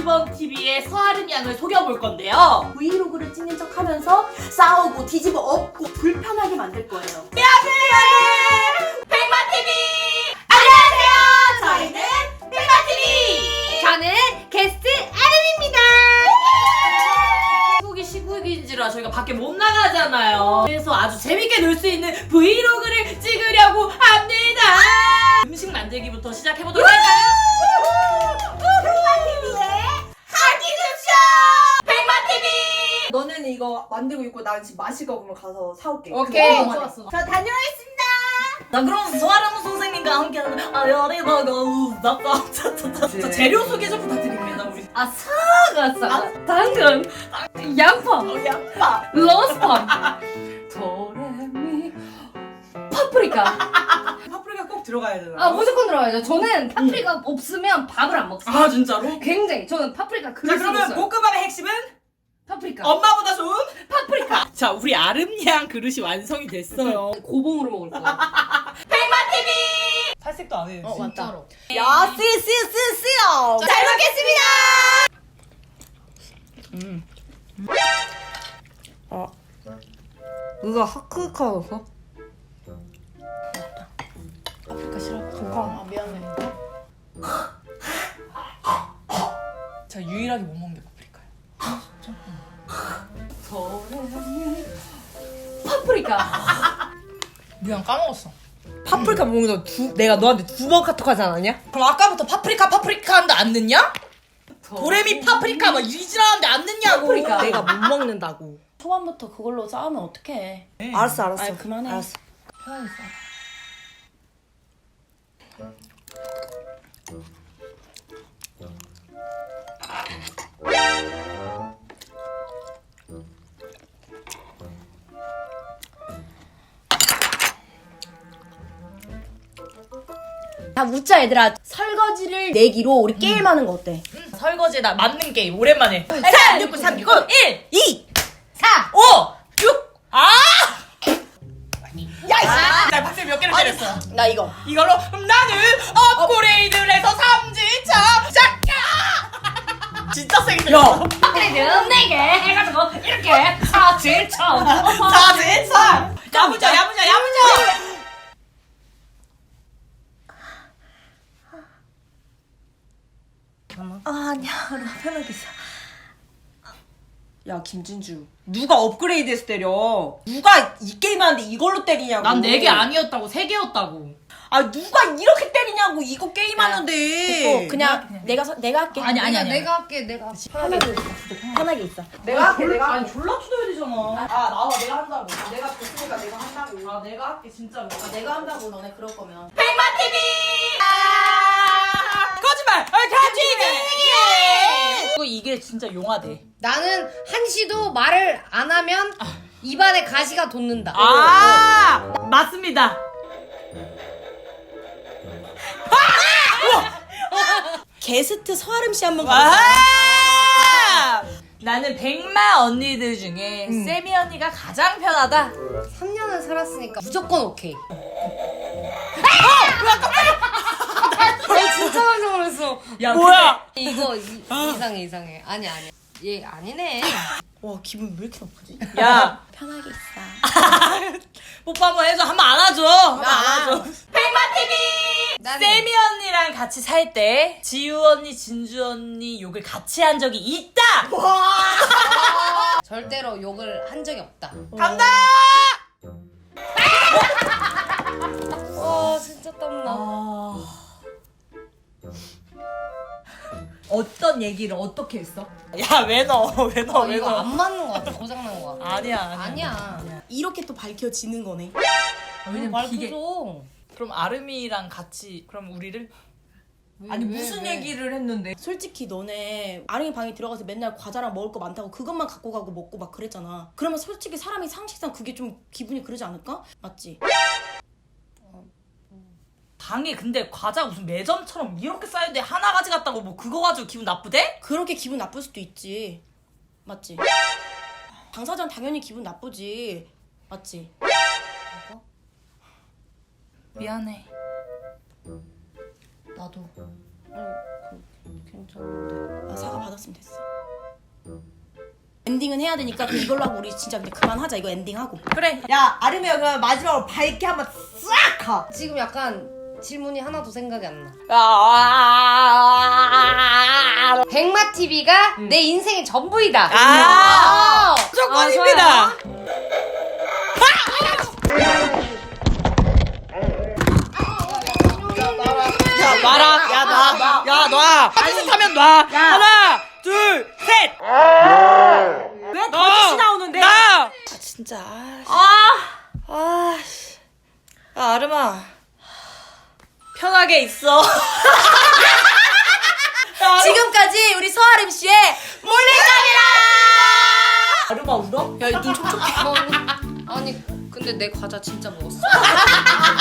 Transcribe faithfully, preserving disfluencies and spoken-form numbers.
이번 티비의 서아름 양을 속여볼 건데요. 브이로그를 찍는 척 하면서 싸우고 뒤집어 엎고 불편하게 만들 거예요. 안녕하세요! 백마티비! 안녕하세요! 저희는 백마티비! 저는 게스트 아름입니다. 시국이 시국인지라 저희가 밖에 못 나가잖아요. 그래서 아주 재밌게 놀 수 있는 브이로그를 찍으려고 합니다. 음식 만들기부터 시작해보도록 할까요? 백마티비의 하기급쇼! 백마티비! 너는 이거 만들고 있고 난 지금 마실 거 그러면 가서 사올게. 오케이. 그거 좋았어. 저 다녀오겠습니다. 자, 그럼 서아름 선생님과 함께하는 아여리버거 우다다다다다 재료 소개 좀 부탁드립니다. 우리 아 사과 사과, 당근, 양파, 어, 양파, 로스파, 도레미, 파프리카. 파프리카 꼭 들어가야 되나? 아 무조건 들어가야죠. 저는 파프리카 없으면 밥을 안 먹어요. 아 진짜로? 굉장히 저는 파프리카 자 그릇 그러면 있어요. 볶음밥의 핵심은 파프리카. 엄마보다 좋은 파프리카. 자 우리 아름양 그릇이 완성이 됐어요. 고봉으로 먹을 거야. 백마티비! 탈색도 안 해. 어 진짜로. 야, 쓰쓰쓰쓰요. 잘 먹겠습니다. 음. 아, 누가 하크카였어? 파프리카 싫어. 아, 미안해. 자 유일하게 못 먹는 게 파프리카예요. 도레미, 파프리카. 미안 까먹었어. 파프리카 먹는 거 두, 내가 너한테 두 번 카톡하지 않았냐? 그럼 아까부터 파프리카 파프리카 하는데 안 넣냐? 도레미 파프리카 막 이지라는데 안 넣냐고. 파프리카. 내가 못 먹는다고. 초반부터 그걸로 싸우면 어떡해. 알았어, 알았어. 아이, 그만해. 알았어. 편하겠어. 다 묻자 얘들아. 설거지를 내기로 우리 게임하는 거 어때? 설거지에다 맞는 게임 오랜만에. 삼, 육, 구, 삼, 구, 일, 이, 사. 오, 육. 아! 야, 이씨. 나 박스 몇 개를 때렸어. 나 이거. 이걸로 나는 업그레이드를 해서 삼지차 샷야! 진짜 세게 들렸어. 업그레이드 네 개 해가지고 이렇게 사칠천. 사지차. 야무져, 야무져, 야무져. 아, 아니야. 나 편하게 있어. 야, 김진주. 누가 업그레이드해서 때려? 누가 이 게임 하는데 이걸로 때리냐고. 난 네 개 아니었다고 세 개였다고. 아, 누가 이렇게 때리냐고. 이거 게임 하는데. 어, 그냥 내가 서, 내가 할게. 아니, 아니, 아니. 내가 할게. 내가. 편하게 있어. 편하게 있어. 내가 할게, 내가 아니 할게. 졸라 투덜야 되잖아. 아, 나와. 내가 한다고. 내가 줬으니까 내가 한다고. 아 내가 할게 진짜로. 아, 내가 한다고 너네 그럴 거면. 백마티비! 아~ 거짓말! 아, 가지기! 이거 이게 진짜 용하대. 나는 한시도 말을 안 하면 입안에 가시가 돋는다. 아 맞습니다. 게스트 서아름 씨 한번 가자. 아 나는 백마 언니들 중에 세미 언니가 가장 편하다. 삼 년을 살았으니까 무조건 오케이. 나 진짜 깜짝 놀랐어. 야 뭐야? 이거 이, 이상해 이상해. 아니 아니. 얘 아니네. 와, 기분 왜 이렇게 나쁘지? 근데- 야 편하게 있어. 뽀뽀 한번 해줘. 한번 안아줘. 한번 안아줘. 나는 세미 언니랑 같이 살 때 지우 언니, 진주 언니 욕을 같이 한 적이 있다. 절대로 욕을 한 적이 없다. 간다. 와 진짜 땀나. 어떤 얘기를 어떻게 했어? 야 왜 넣어? 왜 넣어? 어, 왜 이거 넣어? 안 맞는 거 같아. 고장난 거 같아. 아니야 아니야. 아니야. 이렇게 또 밝혀지는 거네. 말 그죠. 그럼 아름이랑 같이 그럼 우리를 아니, 왜, 무슨 왜? 얘기를 했는데. 솔직히 너네 아름이 방에 들어가서 맨날 과자랑 먹을 거 많다고 그것만 갖고 가고 먹고 막 그랬잖아. 그러면 솔직히 사람이 상식상 그게 좀 기분이 그러지 않을까? 맞지? 방에 근데 과자 무슨 매점처럼 이렇게 쌓였는데 하나 가져갔다고 뭐 그거 가지고 기분 나쁘대? 그렇게 기분 나쁠 수도 있지. 맞지? 당사자는 당연히 기분 나쁘지. 맞지? 미안해. 나도. 아니, 그 괜찮은데. 아, 사과 받았으면 됐어. 엔딩은 해야 되니까 그 이걸로 하고 우리 진짜 근데 그만하자. 이거 엔딩하고. 그래. 야 아름이야 그럼 마지막으로 밝게 한번 싹 가. 지금 약간 질문이 하나도 생각이 안 나. 아, 백마티비가 내 인생의 전부이다. 아, 아, 무조건입니다. 아, 야 놔라. 야 놔. 야 놔. 비슷하면 놔. 하나, 둘, 셋. 왜 거짓이 나오는데? 나. 아 진짜. 아. 아. 씨. 야 아름아. 편하게 있어. 지금까지 우리 서아름 씨의 아름아 울어? 야눈 촉촉해. 뭐, 아니 근데 내 과자 진짜 먹었어.